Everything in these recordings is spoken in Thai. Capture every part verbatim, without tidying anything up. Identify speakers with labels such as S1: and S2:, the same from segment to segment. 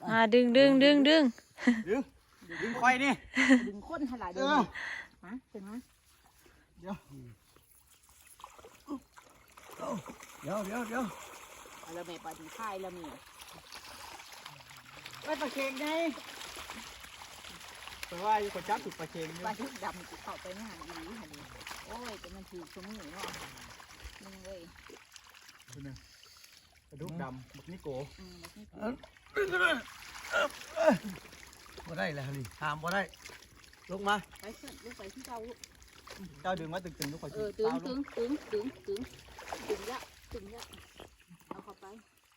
S1: อ่าดึงดึงดึงดึง
S2: ดึงดึงควายนี่
S3: ดึงข้นขนาดเดิมมาถึงมา
S2: เดี๋ยวเดี๋ยวเดี๋ยวเดี๋ยว
S3: เราไม่ปฏิภาณเรามี
S2: ไปปลาเค็งไงแต่ว่าอยู่กับจับถูกปลาเค็ง
S3: ปลาชุดดำเข้าไปไม่หันดีหันดีโอ้ยแต่มันถือสมุนเนาะมึงเว้ย
S2: กระดูกดำบักนิโก้บ่ได้แล้วนี่ตามบ่ได้ลงมา
S3: ไปขึ้นลงไปที่เจ้า
S2: เจ้าดึงมาตึงๆทุกคน
S3: เออตึงตึงตึงตึงตึงตึงละตึงละเอาเข้าไป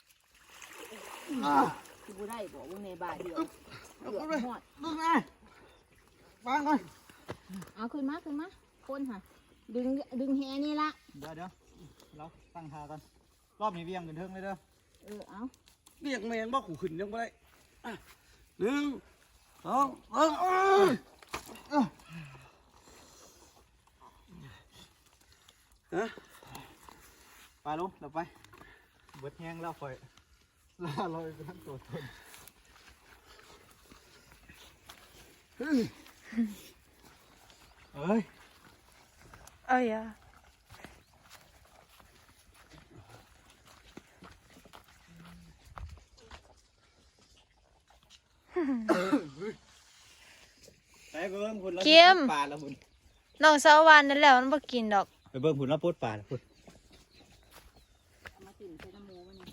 S3: กูได้บอกว่าในบาเดียวเดือดหอด
S2: ดึงมาวางก่อน
S3: เอาขึ้นมาขึ้นมาคนค่ะดึงดึงแฮนี่ละ
S2: เดี๋ยวเดี๋ยวเราตั้งท่ากันรอบนี้เวียงกันเทิงเลยเด้อ
S3: เออเอา
S2: เวียงแมงบ่ขู่ขึ้นยังบ่ได้หนึ่งสองสามฮะไปลุงเราไปเบิดแห้งแล้วค่อยล่าลอยไปทั้งตัวตนเฮ้ยเอ้ย
S1: เอ้ยอ่ะ
S2: ไปเบิ้งคุณแล้วปลาแล้วคุณ
S1: น้องสาววานนั่นแหละมันบ่กินดอก
S2: ไปเบิ้งคุณแล้วพูดปลาแล้วคุณ
S3: มาติ่มใส่น้ำมูมัน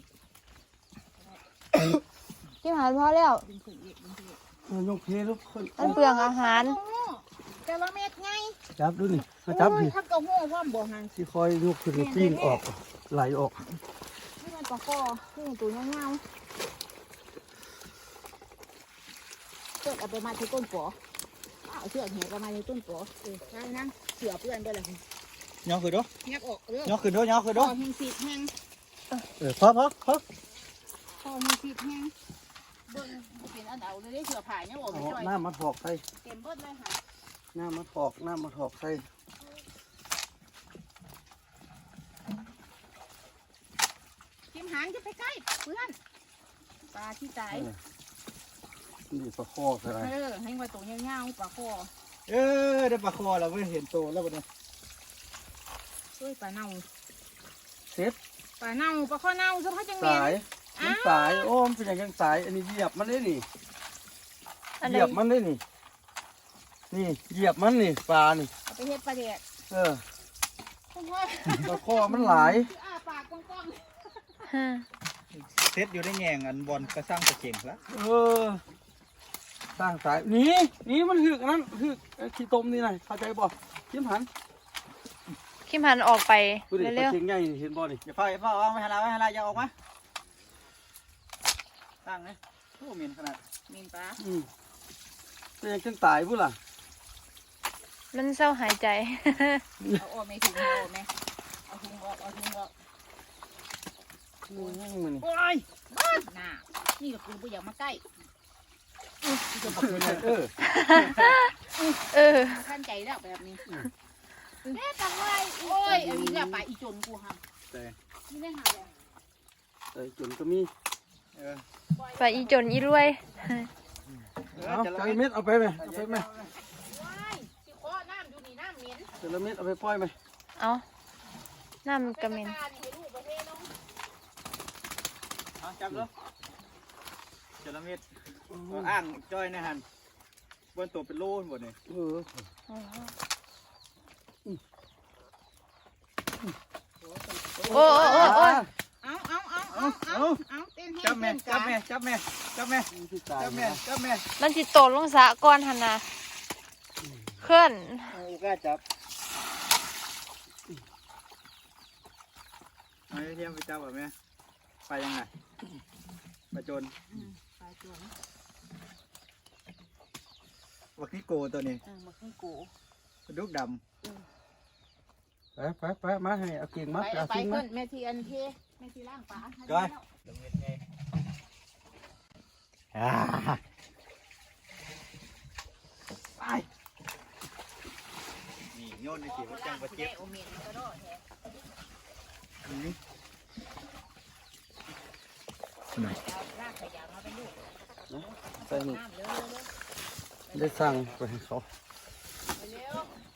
S1: กินอาหารพอแล้ว
S3: ดึงขึ้นอีกดึงขึ้นอีก
S2: ยกเพลลูกคน
S1: มันเปลืองอาหาร
S3: แต่ละเม็ดไง
S2: จับดูนี่มาจับดิ
S3: ถ้ากระหู้ว่าบ่หัน
S2: ที่คอยยกขึ้นปิ้งออกไหลออก
S3: นี่มันปลาคอนี่ตัวเงาๆเกิดเอาไปมาที่ต้นปอเอาเชือกแหกมาที่ต้นปอเออนั่งนั่งเสือเพื่อนไปเลย
S2: ย่อขึ้นด้วย
S3: ยักออกเรื่อง
S2: ย่อขึ้นด้วยย่อขึ้นด้วย
S3: แห้งสีแห้ง
S2: เออพอพอพอ
S3: พอแห้งสีแห้งเบิ้งเป็นอันเอาเลยได้เสือผ่ายเนี่ยบอกไม่ช่วย
S2: น้ำมาถอกใส่
S3: เต็มเบิ้ลเลยค่ะ
S2: น้ำมาถอกน้ำมาถอกใส่
S3: จิ้มหางจะไปใกล้เพื่อนปลาที่ตาย
S2: นี่ปลาคอใช่ไหม
S3: เออให้ไว้ตัวเงี้ยวๆปลาคอ
S2: เออได้ปลาคอเราไม่เห็นตัวแล้ววันนี้
S3: ช่วยปลาเน่า
S2: เซ็ต
S3: ปลาเน่าปลาคอเน่าสะพัดจังเมียน
S2: สายมันสายโอ้มเป็นอย่างยังสายอันนี้เหยียบมันได้นี่เหยียบมันได้นี่นี่เหยียบมันนี่ปลานี่
S3: เอาไปเฮ็ดปลาเด็ด
S2: เออปลาคอมันหลาย
S3: ปากกว้าง
S2: เซ็ตอยู่ได้แง่งอันบอลกระสร้างกระเจงแล้วเออสร้างสายนี่นี่มันหึกนั้นหึกขี้ต้มนี่ไงเข้าใจบ่ยิ้มหัน
S1: คิมหันออกไป
S2: เร็วๆเจงใหญ่เห็นบ่นี่อย่าเฝ้าอย่าเฝ้าเอาไม่หันละไม่หันละอย่าออกมาตั้งเลยโอ้เมียนขนาด
S3: เมียนปลา
S2: อืมเป็นยังจังตายพุ่นล่ะ
S1: มันเศร้าหายใจ
S3: เอาออกไม่ถึงเอาไหมเอาถุงออกเอาถุงออก
S2: โอ้ยมัน
S3: โอ้ยน่านี่ก็คือผู้ใหญ่มาใกล้
S2: เออ
S1: เออ
S3: ท่านใจแล้วแบบนี้แม่ตังไว้โอ้ยอันนี้แหละปลาอีจนกูค่ะนี่ได้หาเลย
S2: เออจนก็มี
S1: ปลาอีจนอีรวย
S2: เอาจระเม็ดเอาไปไหมเอาไปไหมจระเม็ดเอาไปปล่อยไหม
S1: เอาน้ำกระเม็น
S2: จับแล้วจระเม็ดอ่างจ้อยนะฮันบนตัวเป็นโล่หมดเลยเออ
S1: โอ้โอ้โอ้โอ้
S3: เอาเอาเอาเอาเอาเอาเต้นให้
S2: จับแม่จับแม่จับแม่จับแม่จับแม่จับแม่
S1: มันจิตโตลงสะก้อนหันนะเคลื่อน
S2: โอ้กล้าจับไม่เทียมไปจับแบบแม่ไปยังไงไปจน
S3: ไปจน
S2: วักนี่โกตัวนี้
S3: วักนี่โก
S2: กระดูกดำไปไปไปมาให้เอาเก่งมา
S3: เอาเก่งมาแม่ทีอันเทแม่ทีล่างปลา
S2: จ้อยไปนี่โยนในสีวัดจังวัดเจ็บนี่
S3: ลากขยะมาเป็นลูก
S2: ส่นี่ได้สั่งไปให้เขา
S3: เร็ว